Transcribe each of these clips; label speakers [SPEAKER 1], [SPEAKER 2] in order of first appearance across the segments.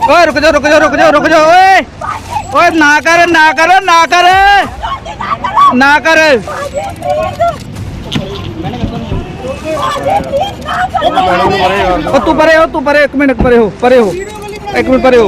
[SPEAKER 1] ओए रुक जाओ रुक जाओ रुक जाओ रुक जाओ ओए ओए ना कर ना कर ना कर ना कर तू परे एक मिनट परे हो एक मिनट परे हो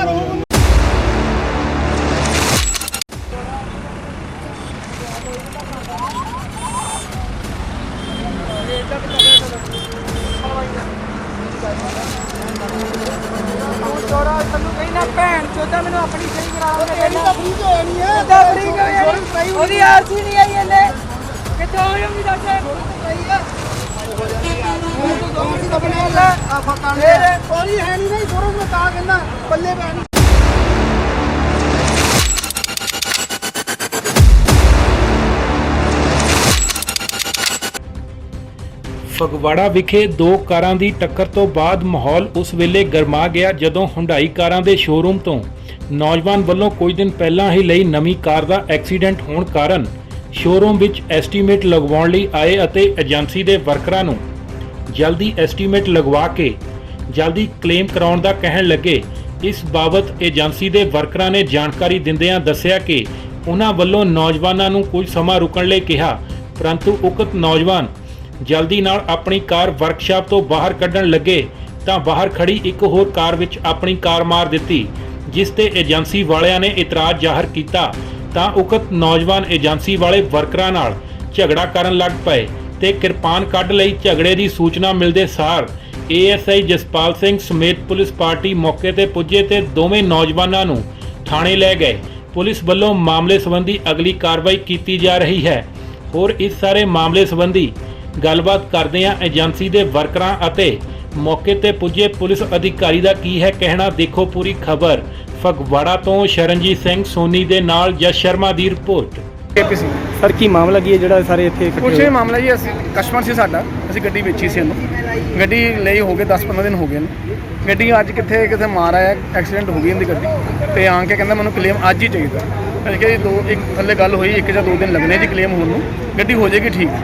[SPEAKER 2] ਫਗਵਾੜਾ ਵਿਖੇ ਦੋ ਕਾਰਾਂ ਦੀ ਟੱਕਰ ਤੋਂ ਬਾਅਦ ਮਾਹੌਲ ਉਸ ਵੇਲੇ ਗਰਮਾ ਗਿਆ ਜਦੋਂ ਹੁੰਡਾਈ ਕਾਰਾਂ ਦੇ ਸ਼ੋਰੂਮ ਤੋਂ ਨੌਜਵਾਨ ਵੱਲੋਂ ਕੁਝ ਦਿਨ ਪਹਿਲਾਂ ਹੀ ਲਈ ਨਵੀਂ ਕਾਰ ਦਾ ਐਕਸੀਡੈਂਟ ਹੋਣ ਕਾਰਨ ਸ਼ੋਰੂਮ ਵਿੱਚ ਐਸਟੀਮੇਟ ਲਗਵਾਉਣ ਲਈ ਆਏ ਅਤੇ ਏਜੰਸੀ ਦੇ ਵਰਕਰਾਂ ਨੂੰ ਜਲਦੀ ਐਸਟੀਮੇਟ ਲਗਵਾ ਕੇ ਜਲਦੀ ਕਲੇਮ ਕਰਾਉਣ ਦਾ ਕਹਿਣ ਲੱਗੇ। ਇਸ ਬਾਬਤ ਏਜੰਸੀ ਦੇ ਵਰਕਰਾਂ ਨੇ ਜਾਣਕਾਰੀ ਦਿੰਦਿਆਂ ਦੱਸਿਆ ਕਿ ਉਹਨਾਂ ਵੱਲੋਂ ਨੌਜਵਾਨਾਂ ਨੂੰ ਕੁਝ ਸਮਾਂ ਰੁਕਣ ਲਈ ਕਿਹਾ, ਪਰੰਤੂ ਉਕਤ ਨੌਜਵਾਨ ਜਲਦੀ ਨਾਲ ਆਪਣੀ ਕਾਰ ਵਰਕਸ਼ਾਪ ਤੋਂ ਬਾਹਰ ਕੱਢਣ ਲੱਗੇ ਤਾਂ ਬਾਹਰ ਖੜੀ ਇੱਕ ਹੋਰ ਕਾਰ ਵਿੱਚ ਆਪਣੀ ਕਾਰ ਮਾਰ ਦਿੱਤੀ, ਜਿਸ ਤੇ ਏਜੰਸੀ ਵਾਲਿਆਂ ਨੇ ਇਤਰਾਜ਼ ਜ਼ਾਹਰ ਕੀਤਾ ਤਾਂ ਉਕਤ ਨੌਜਵਾਨ ਏਜੰਸੀ ਵਾਲੇ ਵਰਕਰਾਂ ਨਾਲ ਝਗੜਾ ਕਰਨ ਲੱਗ ਪਏ ਤੇ ਕਿਰਪਾਨ ਕੱਢ ਲਈ। ਝਗੜੇ ਦੀ ਸੂਚਨਾ ਮਿਲਦੇ ਸਾਰ ਏਐਸਆਈ ਜਸਪਾਲ ਸਿੰਘ ਸਮੇਤ ਪੁਲਿਸ ਪਾਰਟੀ ਮੌਕੇ ਤੇ ਪੁੱਜੇ ਤੇ ਦੋਵੇਂ ਨੌਜਵਾਨਾਂ ਨੂੰ ਥਾਣੇ ਲੈ ਗਏ। ਪੁਲਿਸ ਵੱਲੋਂ ਮਾਮਲੇ ਸੰਬੰਧੀ ਅਗਲੀ ਕਾਰਵਾਈ ਕੀਤੀ ਜਾ ਰਹੀ ਹੈ। ਹੋਰ ਇਸ ਸਾਰੇ ਮਾਮਲੇ ਸੰਬੰਧੀ ਗੱਲਬਾਤ ਕਰਦਿਆਂ ਏਜੰਸੀ ਦੇ ਵਰਕਰਾਂ ਅਤੇ ਮੌਕੇ ਤੇ ਪੁੱਜੇ ਪੁਲਿਸ ਅਧਿਕਾਰੀ ਦਾ ਕੀ ਹੈ ਕਹਿਣਾ, ਦੇਖੋ ਪੂਰੀ ਖਬਰ। ਫਗਵਾੜਾ ਤੋਂ ਸ਼ਰਨਜੀਤ ਸਿੰਘ ਸੋਨੀ ਦੇ ਨਾਲ ਜਸ ਸ਼ਰਮਾ ਦੀ ਰਿਪੋਰਟ।
[SPEAKER 3] KPC
[SPEAKER 4] ਸਰ ਕੀ ਮਾਮਲਾ ਕੀ ਹੈ ਜਿਹੜਾ ਸਾਰੇ ਇੱਥੇ ਇਕੱਠੇ
[SPEAKER 3] ਕੁਛ
[SPEAKER 4] ਹੋਏ?
[SPEAKER 3] ਇਹ ਮਾਮਲਾ ਜੀ, ਅਸੀਂ ਕਸਟਮਰ ਸੀ ਸਾਡਾ, ਅਸੀਂ ਗੱਡੀ ਵੇਚੀ ਸੀ ਇਹਨੂੰ, ਗੱਡੀ ਲਈ ਹੋ ਗਏ 10-15 ਦਿਨ ਹੋ ਗਏ ਨੇ। ਗੱਡੀ ਅੱਜ ਕਿੱਥੇ ਮਾਰ ਆਇਆ, ਐਕਸੀਡੈਂਟ ਹੋ ਗਈ ਇਹਦੀ ਗੱਡੀ ਤੇ ਆ ਕੇ ਕਹਿੰਦਾ ਮੈਨੂੰ ਕਲੇਮ ਅੱਜ ਹੀ ਚਾਹੀਦਾ। ਅਸੀਂ ਕਿਹਾ ਜੀ ਇੱਕ ਥੱਲੇ ਗੱਲ ਹੋਈ 1 ਜਾਂ 2 ਦਿਨ ਲੱਗਣੇ ਜੀ ਕਲੇਮ ਹੋਣ ਨੂੰ, ਗੱਡੀ ਹੋ ਜਾਏਗੀ ਠੀਕ।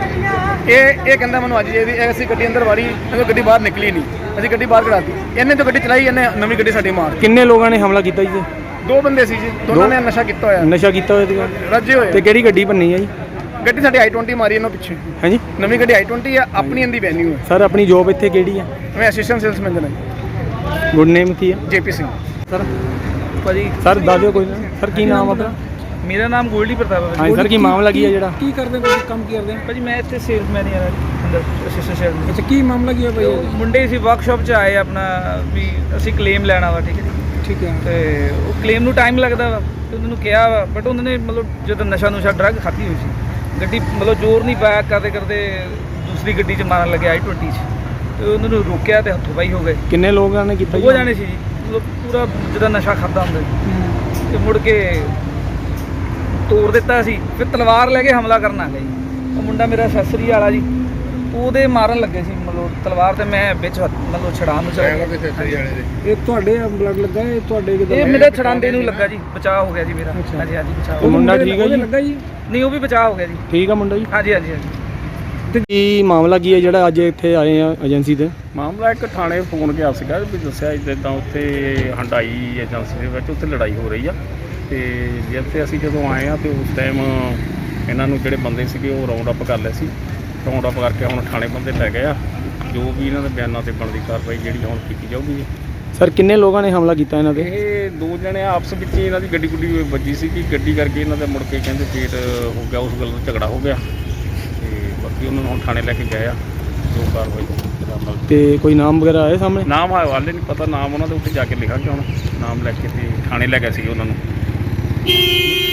[SPEAKER 3] ਇਹ ਕਹਿੰਦਾ ਮੈਨੂੰ ਅੱਜ ਚਾਹੀਦੀ। ਅਸੀਂ ਗੱਡੀ ਅੰਦਰ ਵਾੜੀ, ਗੱਡੀ ਬਾਹਰ ਨਿਕਲੀ ਨਹੀਂ, ਅਸੀਂ ਗੱਡੀ ਬਾਹਰ ਕਢਾਤੀ। ਇਹਨੇ ਤਾਂ ਗੱਡੀ ਚਲਾਈ, ਇਹਨੇ ਨਵੀਂ ਗੱਡੀ ਸਾਡੀ ਮਾਰ।
[SPEAKER 4] ਕਿੰਨੇ ਲੋਕਾਂ ਨੇ ਹਮਲਾ ਕੀਤਾ ਜੀ?
[SPEAKER 3] 2 ਬੰਦੇ ਸੀ ਜੀ, ਦੋਨਾਂ ਨੇ ਨਸ਼ਾ ਕੀਤਾ ਹੋਇਆ,
[SPEAKER 4] ਨਸ਼ਾ ਕੀਤਾ ਹੋਇਆ ਸੀਗਾ,
[SPEAKER 3] ਰੱਜੇ ਹੋਏ।
[SPEAKER 4] ਤੇ ਕਿਹੜੀ ਗੱਡੀ ਭੰਨੀ ਹੈ ਜੀ?
[SPEAKER 3] ਗੱਡੀ ਸਾਡੀ i20 ਮਾਰੀ ਇਹਨਾਂ ਪਿੱਛੇ।
[SPEAKER 4] ਹਾਂਜੀ,
[SPEAKER 3] ਨਵੀਂ ਗੱਡੀ i20 ਆ, ਆਪਣੀ ਇਹਦੀ ਵੈਨਿਊ ਹੈ।
[SPEAKER 4] ਸਰ ਆਪਣੀ ਜੋਬ ਇੱਥੇ ਕਿਹੜੀ ਹੈ?
[SPEAKER 3] ਮੈਂ ਅਸਿਸਟੈਂਟ ਸੇਲਸ ਮੈਨੇਜਰ ਹਾਂ।
[SPEAKER 4] ਗੁੱਡ ਨੇਮ ਕੀ ਹੈ?
[SPEAKER 3] JP ਸਿੰਘ।
[SPEAKER 4] ਸਰ
[SPEAKER 1] ਭਾਜੀ
[SPEAKER 4] ਸਰ ਦੱਸ ਦਿਓ ਕੋਈ ਨਾ। ਸਰ ਕੀ ਨਾਮ ਆਪਣਾ?
[SPEAKER 1] ਮੇਰਾ ਨਾਮ ਗੋਲਡੀ ਪ੍ਰਤਾਪ ਹੈ।
[SPEAKER 4] ਹਾਂਜੀ ਸਰ, ਕੀ ਮਾਮਲਾ ਕੀ ਹੈ ਜਿਹੜਾ?
[SPEAKER 5] ਕੀ ਕਰਦੇ ਹੋ ਤੁਸੀਂ, ਕੰਮ ਕੀ ਕਰਦੇ ਹੋ?
[SPEAKER 1] ਭਾਜੀ ਮੈਂ ਇੱਥੇ ਸੇਲਸ ਮੈਨੇਜਰ ਹਾਂ ਅੰਦਰ ਅਸਿਸਟੈਂਟ ਸੇਲਸ।
[SPEAKER 5] ਅੱਛਾ, ਕੀ ਮਾਮਲਾ ਕੀ ਹੈ ਭਾਈ?
[SPEAKER 1] ਮੁੰਡੇ ਸੀ ਵਰਕਸ਼ਾਪ 'ਚ ਆਏ ਆਪਣਾ ਵੀ ਅਸੀਂ ਕਲੇਮ ਲੈਣਾ ਵਾ, ਠੀਕ ਹੈ ਜੀ।
[SPEAKER 5] ਠੀਕ ਹੈ।
[SPEAKER 1] ਤੇ ਉਹ ਕਲੇਮ ਨੂੰ ਟਾਈਮ ਲੱਗਦਾ ਵਾ ਤੇ ਉਹਨਾਂ ਨੂੰ ਕਿਹਾ ਵਾ, ਬਟ ਉਹਨਾਂ ਨੇ ਮਤਲਬ ਜਦੋਂ ਨਸ਼ਾ ਡਰੱਗ ਖਾਧੀ ਹੋਈ ਸੀ, ਗੱਡੀ ਮਤਲਬ ਜ਼ੋਰ ਨਹੀਂ ਪਾਇਆ, ਕਰਦੇ ਦੂਸਰੀ ਗੱਡੀ 'ਚ ਮਾਰਨ ਲੱਗੇ i20 'ਚ, ਤੇ ਉਹਨਾਂ ਨੂੰ ਰੋਕਿਆ ਤੇ ਹੱਥੋਂ ਪਾਈ ਹੋ ਗਏ।
[SPEAKER 4] ਕਿੰਨੇ ਲੋਕਾਂ ਨੇ ਕੀਤਾ?
[SPEAKER 1] 2 ਜਾਣੇ ਸੀ ਜੀ, ਮਤਲਬ ਪੂਰਾ ਜਦੋਂ ਨਸ਼ਾ ਖਾਧਾ ਹੁੰਦਾ ਜੀ। ਤੇ ਮੁੜ ਕੇ ਤੋੜ ਦਿੱਤਾ ਸੀ, ਫਿਰ ਤਲਵਾਰ ਲੈ ਕੇ ਹਮਲਾ ਕਰਨ ਆ ਗਿਆ ਜੀ। ਉਹ ਮੁੰਡਾ ਮੇਰਾ ਅਸੈਸਰੀ ਵਾਲਾ ਜੀ, ਉਹਦੇ ਮਾਰਨ ਲੱਗੇ ਸੀ ਮਤਲਬ ਤਲਵਾਰ, ਤੇ ਮੈਂ ਵਿੱਚ ਮਤਲਬ ਛੜਾਉਣ ਨੂੰ ਚਲਾ ਗਿਆ।
[SPEAKER 5] ਇਹ ਤੁਹਾਡੇ ਬਲੱਡ ਲੱਗਾ, ਇਹ ਤੁਹਾਡੇ ਕਿਦਾਂ?
[SPEAKER 1] ਇਹ ਮੇਰੇ ਛੜਾਉਂਦੇ ਨੂੰ ਲੱਗਾ ਜੀ, ਬਚਾਅ ਹੋ ਗਿਆ ਜੀ ਮੇਰਾ।
[SPEAKER 5] ਅੱਛਾ।
[SPEAKER 1] ਹਾਂਜੀ ਹਾਂਜੀ ਬਚਾਅ
[SPEAKER 4] ਉਹ
[SPEAKER 1] ਹੋ ਗਿਆ।
[SPEAKER 4] ਮੁੰਡਾ ਠੀਕ ਹੈ ਜੀ?
[SPEAKER 5] ਲੱਗਾ ਜੀ?
[SPEAKER 1] ਨਹੀਂ, ਉਹ ਵੀ ਬਚਾਅ ਹੋ ਗਿਆ ਜੀ।
[SPEAKER 4] ਠੀਕ ਆ ਮੁੰਡਾ ਜੀ?
[SPEAKER 1] ਹਾਂਜੀ ਹਾਂਜੀ ਹਾਂਜੀ।
[SPEAKER 4] ਤੇ ਕੀ ਮਾਮਲਾ ਕੀ ਹੈ ਜਿਹੜਾ ਅੱਜ ਇੱਥੇ ਆਏ ਆ ਏਜੰਸੀ ਤੇ?
[SPEAKER 3] ਮਾਮਲਾ ਇੱਕ ਥਾਣੇ ਫੋਨ ਗਿਆ ਸੀਗਾ ਵੀ ਦੱਸਿਆ ਇੱਦਾਂ ਉੱਥੇ ਹੰਡਾਈ ਏਜੰਸੀ ਦੇ ਵਿੱਚ ਉੱਥੇ ਲੜਾਈ ਹੋ ਰਹੀ ਆ। ਤੇ ਜਿੱਥੇ ਅਸੀਂ ਜਦੋਂ ਆਏ ਆ ਤੇ ਉਸ ਟਾਈਮ ਇਹਨਾਂ ਨੂੰ ਜਿਹੜੇ ਬੰਦੇ ਸੀਗੇ ਉਹ ਰਾਉਂਡ ਅਪ ਕਰ ਲਏ ਸੀ। ਰਾਉਂਡ ਅਪ ਕਰਕੇ ਹੁਣ ਥਾਣੇ ਬੰਦੇ ਲੈ ਗਏ ਆ, ਜੋ ਵੀ ਇਹਨਾਂ ਦੇ ਬਿਆਨਾਂ ਤੇ ਬਣਦੀ ਕਾਰਵਾਈ ਜਿਹੜੀ ਹੁਣ ਕੀਤੀ ਜਾਊਗੀ।
[SPEAKER 4] ਸਰ ਕਿੰਨੇ ਲੋਕਾਂ ਨੇ ਹਮਲਾ ਕੀਤਾ ਇਹਨਾਂ ਤੇ?
[SPEAKER 3] ਇਹ 2 ਜਣੇ ਆਪਸ ਵਿੱਚ ਹੀ ਇਹਨਾਂ ਦੀ ਗੱਡੀ ਵੱਜੀ ਸੀ ਕਿ ਗੱਡੀ ਕਰਕੇ ਇਹਨਾਂ ਦੇ ਮੁੜ ਕੇ ਕਹਿੰਦੇ ਫੇਟ ਹੋ ਗਿਆ, ਉਸ ਗੱਲ ਤੋਂ ਝਗੜਾ ਹੋ ਗਿਆ ਤੇ ਬਾਕੀ ਉਹਨਾਂ ਨੂੰ ਹੁਣ ਥਾਣੇ ਲੈ ਕੇ ਗਏ ਆ, ਜੋ ਕਾਰਵਾਈ।
[SPEAKER 4] ਤੇ ਕੋਈ ਨਾਮ ਵਗੈਰਾ ਆਏ ਸਾਹਮਣੇ?
[SPEAKER 3] ਨਾਮ ਹਾਲੇ ਨਹੀਂ ਪਤਾ, ਨਾਮ ਉਹਨਾਂ ਦੇ ਉੱਤੇ ਜਾ ਕੇ ਲਿਖਾਂਗੇ ਹੁਣ। ਨਾਮ ਲੈ ਕੇ ਤੇ ਥਾਣੇ ਲੈ ਗਏ ਸੀ ਉਹਨਾਂ ਨੂੰ।